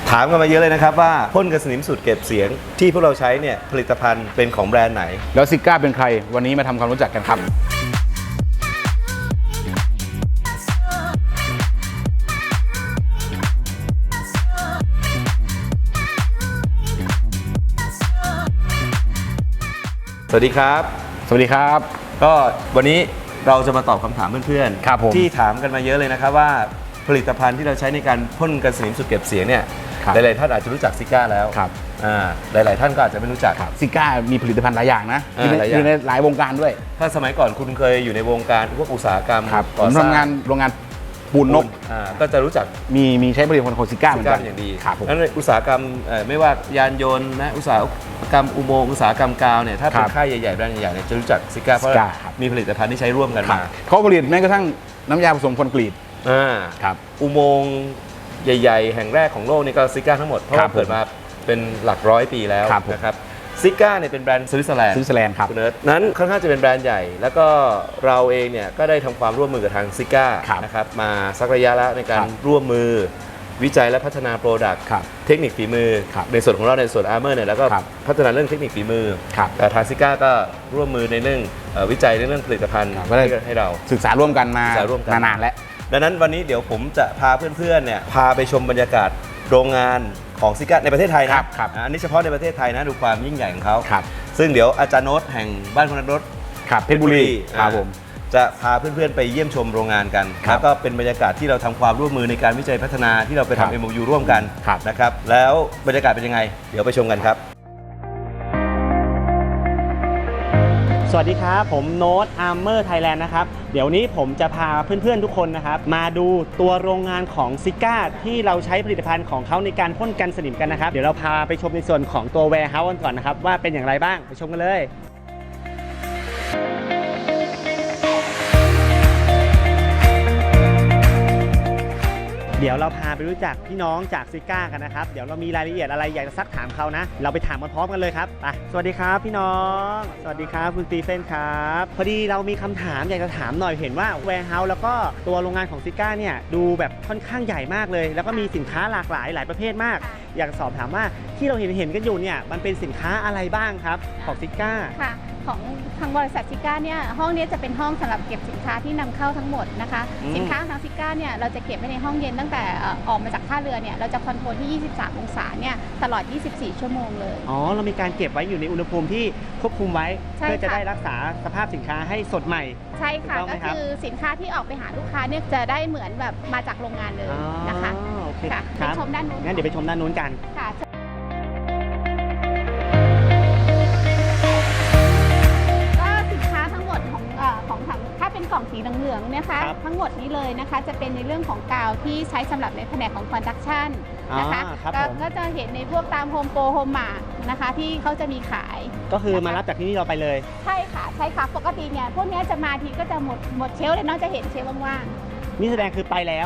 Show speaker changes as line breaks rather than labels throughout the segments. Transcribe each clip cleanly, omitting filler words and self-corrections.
ถามกันมาเยอะเลยนะครับว่าพ่นกันสนิมสูตรเก็บเสียงที่พวกเราใช้เนี่ยผลิตภัณฑ์เป็นของแบรนด์ไหน
แล้วซิก้าเป็นใครวันนี้มาทำความรู้จักกันครับ
สวัสดีครับ
สวัสดีครับ
ก็วันนี้เราจะมาตอบคำถามเพื่อน
ครับผม
ที่ถามกันมาเยอะเลยนะครับว่าผลิตภัณฑ์ที่เราใช้ในการพ่นกันสนิมสูตรเก็บเสียงเนี่ยหลายๆท่านอาจจะรู้จักซิก้าแล้วหลายๆท่านก็อาจจะไม่รู้จัก
ซิก้ามีผลิตภัณฑ์หลายอย่างนะอยู่ในหลายวงการด้วย
ถ้าสมัยก่อนคุณเคยอยู่ในวงการพวกอุตสาหกรรม
ผมทำงานโรงงานปูนนก
ก็จะรู้จัก
มีใช้ผลิตภัณฑ์ของซิก้าเหมือนกัน
อย่างดี
ครับผม
งั้นอุตสาหกรรมไม่ว่ายานยนต์นะอุตสาหกรรมอุโมงค์อุตสาหกรรมกาวเนี่ยถ้าเป็นค่ายใหญ่ๆแบรนด์ใหญ่ๆเนี่ยจะรู้จักซิก้าเพราะมีผลิตภัณฑ์ที่ใช้ร่วมกันมา
เขาผลิตแม้กระทั่งน้ำยาผสมคอนกรีตครับ
อุโมงค์ใหญ่ๆแห่งแรกของโลกนี่ก็ซิก้าทั้งหมดเพราะว่าเกิดมาเป็นหลักร้อยปีแล้วนะครับซิก้าเนี่ยเป็นแบรนด์สวิตเซอร์แลนด์
ครับ
นั้นค่อนข้างจะเป็นแบรนด์ใหญ่แล้วก็เราเองเนี่ยก็ได้ทำความร่วมมือกับทางซิก้านะครับมาสักระยะแล้วในการร่วมมือวิจัยและพัฒนาโปรดักต์เทคนิคฝีมือในส่วนของเราในส่วนอาร์เมอร์เนี่ยแล้วก็พัฒนาเรื่องเทคนิคฝีมือแต่ทางซิก้าก็ร่วมมือในเรื่องวิจัยในเรื่องผลิตภัณฑ์ให้เรา
ศึกษาร่วมกันมานานแล้ว
ดังนั้นวันนี้เดี๋ยวผมจะพาเพื่อนๆเนี่ยพาไปชมบรรยากาศโรงงานของซิก้าในประเทศไทยนะอันนี้เฉพาะในประเทศไทยนะดูความยิ่งใหญ่ของเขาซึ่งเดี๋ยวอาจารย์โน้ตแห่งบ้านคนนักรถ
เพชรบุรีครับผม
จะพาเพื่อนๆไปเยี่ยมชมโรงงานกันแล้วก็เป็นบรรยากาศที่เราทำความร่วมมือในการวิจัยพัฒนาที่เราไปทำ MOU ร่วมกันนะครับแล้วบรรยากาศเป็นยังไงเดี๋ยวไปชมกันครับ
สวัสดีครับผมโน้ตอาร์เมอร์ไทยแลนด์นะครับเดี๋ยวนี้ผมจะพาเพื่อนๆทุกคนนะครับมาดูตัวโรงงานของซิก้าที่เราใช้ผลิตภัณฑ์ของเขาในการพ่นกันสนิมกันนะครับเดี๋ยวเราพาไปชมในส่วนของตัว warehouse กันก่อนนะครับว่าเป็นอย่างไรบ้างไปชมกันเลยเดี๋ยวเราพาไปรู้จักพี่น้องจากซิก้ากันนะครับเดี๋ยวเรามีรายละเอียดอะไรอยากจะซักถามเขานะเราไปถามกันพร้อมกันเลยครับไปสวัสดีครับพี่น้องสวัสดีครับคุณสตีเฟนครับพอดีเรามีคำถามอยากจะถามหน่อยเห็นว่าแวร์เฮาส์แล้วก็ตัวโรงงานของซิก้าเนี่ยดูแบบค่อนข้างใหญ่มากเลยแล้วก็มีสินค้าหลากหลายประเภทมากอยากสอบถามว่าที่เราเห็นกันอยู่เนี่ยมันเป็นสินค้าอะไรบ้างครับของซิก้า
ค่ะของทางบริษัทซิก้าเนี่ยห้องนี้จะเป็นห้องสำหรับเก็บสินค้าที่นำเข้าทั้งหมดนะคะสินค้าของทางซิก้าเนี่ยเราจะเก็บไว้ในห้องเย็นตั้งแต่ออกมาจากท่าเรือเนี่ยเราจะคอนโทรลที่23องศาเนี่ยตลอด24ชั่วโมงเลย
อ๋อเรามีการเก็บไว้อยู่ในอุณหภูมิที่ควบคุมไว้เพื่อจะได้รักษาสภาพสินค้าให้สดใหม่
ใช่ค่ะก็คือสินค้าที่ออกไปหาลูกค้าเนี่ยจะได้เหมือนแบบมาจากโรงงานเลยนะคะ
โอเค
ค่ะไปชมด้านนู้น
งั้นเดี๋ยวไปชมด้านนู้นกัน
ค่ะกล่องสีเหลืองๆนะคะทั้งหมดนี้เลยนะคะจะเป็นในเรื่องของกาวที่ใช้สำหรับในแผนกของคอนดักชันนะคะก็จะเห็นในพวกตามโฮมโปรโฮมมาร์ทนะคะที่เขาจะมีขาย
ก็คือมารับจากที่นี่เราไปเลย
ใช่ค่ะปกติเนี่ยพวกนี้จะมาทีก็จะหมดเชลฟ์เลยเนาะจะเห็นเชลฟ์ว่าง
ๆนี่แสดงคือไปแล้ว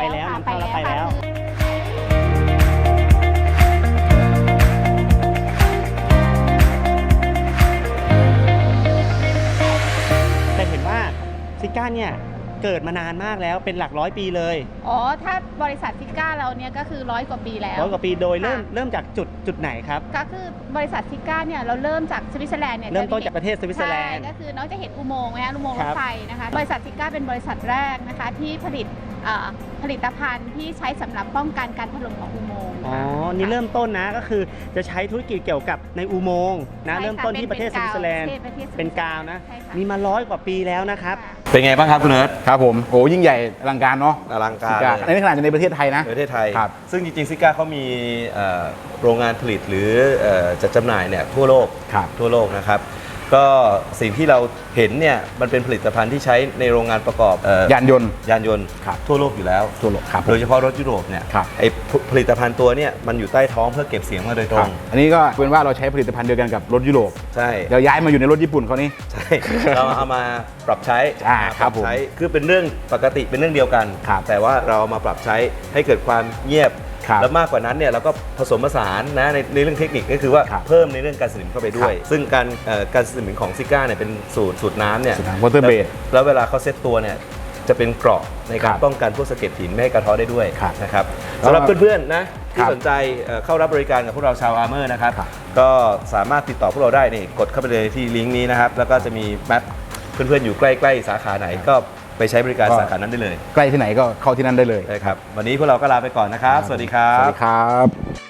ซิก้าเนี่ยเกิดมานานมากแล้วเป็นหลักร้อยปีเลย
อ๋อถ้าบริษัทซิก้าเราเนี่ยก็คือ100 กว่าปีแล้ว
100 กว่าปีโดยเริ่มจากจุดไหนครับ
ก็คือบริษัทซิก้าเนี่ยเราเริ่มจากสวิตเซอร์แลนด์เนี่ย
เริ่มต้นจากประเทศสวิตเซอร์แลนด์
ก็คือน้องจะเห็นอุโมงค์นะอุโมงค์รถไฟนะคะบริษัทซิก้าเป็นบริษัทแรกนะคะที่ผลิตภัณฑ์ที่ใช้สำหรับป้องกันการถล่มของอุโมงค์
อ๋อนี่เริ่มต้นนะก็คือจะใช้ธุรกิจเกี่ยวกับในอุโมงค์นะเริ่มต้นที่ประเทศสวิตเซอร์แลนด์เป็นกาวนะมีมา100 กว่าปีแล้วนะครับ
เป็นไงบ้างครับคุณเนิร์ด
ครับผมโอ้ยิ่งใหญ่อลังการเนาะ
อลังการ
ในขนาดในประเทศไทยนะ
ประเทศไทยซึ่งจริงๆซิก้าเขามีโรงงานผลิตหรือจัดจำหน่ายเนี่ยทั่วโลกนะครับก็สิ่งที่เราเห็นเนี่ยมันเป็นผลิตภัณฑ์ที่ใช้ในโรงงานประกอบ
ยานยนต์
ทั่วโลกอยู่แล้ว
ทั่วโลก
โดยเฉพาะรถยุโรปเนี่ยไอผลิตภัณฑ์ตัวเนี่ยมันอยู่ใต้ท้องเพื่อเก็บเสียงมาโดยตรง
อันนี้ก็เป็นว่าเราใช้ผลิตภัณฑ์เดียวกันกับรถยุโรป
ใช่
เดี๋ยวย้ายมาอยู่ในรถญี่ปุ่นเขานี่
ใช่เราเอามาปรับใช้คือเป็นเรื่องปกติเป็นเรื่องเดียวกันแต่ว่าเรามาปรับใช้ให้เกิดความเงียบแล้วมากกว่านั้นเนี่ยเราก็ผสมผสานนะในเรื่องเทคนิคก็คือว่าเพิ่มในเรื่องการสนิมเข้าไปด้วยซึ่งการสนิมของซิก้าเนี่ยเป็นสูตรน้ำเนี่ยว
อเตอร์เบส
แล้วเวลาเขาเซตตัวเนี่ยจะเป็นเกราะในการ
ครับ
ป้องกันพวกสะเก็ดหินไม่ให้กระเทาะได้ด้วย
ครับ
นะครับสำหรับเพื่อนๆนะที่
ครับ
สนใจเข้ารับบริการกับพวกเราชาวอาร์เมอร์นะครับ
ครับ
ก็สามารถติดต่อพวกเราได้นี่กดเข้าไปเลยที่ลิงก์นี้นะครับแล้วก็จะมีแมปเพื่อนๆอยู่ใกล้ๆสาขาไหนก็ไปใช้บริการสาขานั้นได้เลย
ใกล้ที่ไหนก็เข้าที่นั่นได้เลย
ได้ครับวันนี้พวกเราก็ลาไปก่อนนะครับสวัสดีครับ
สวัสดีครับ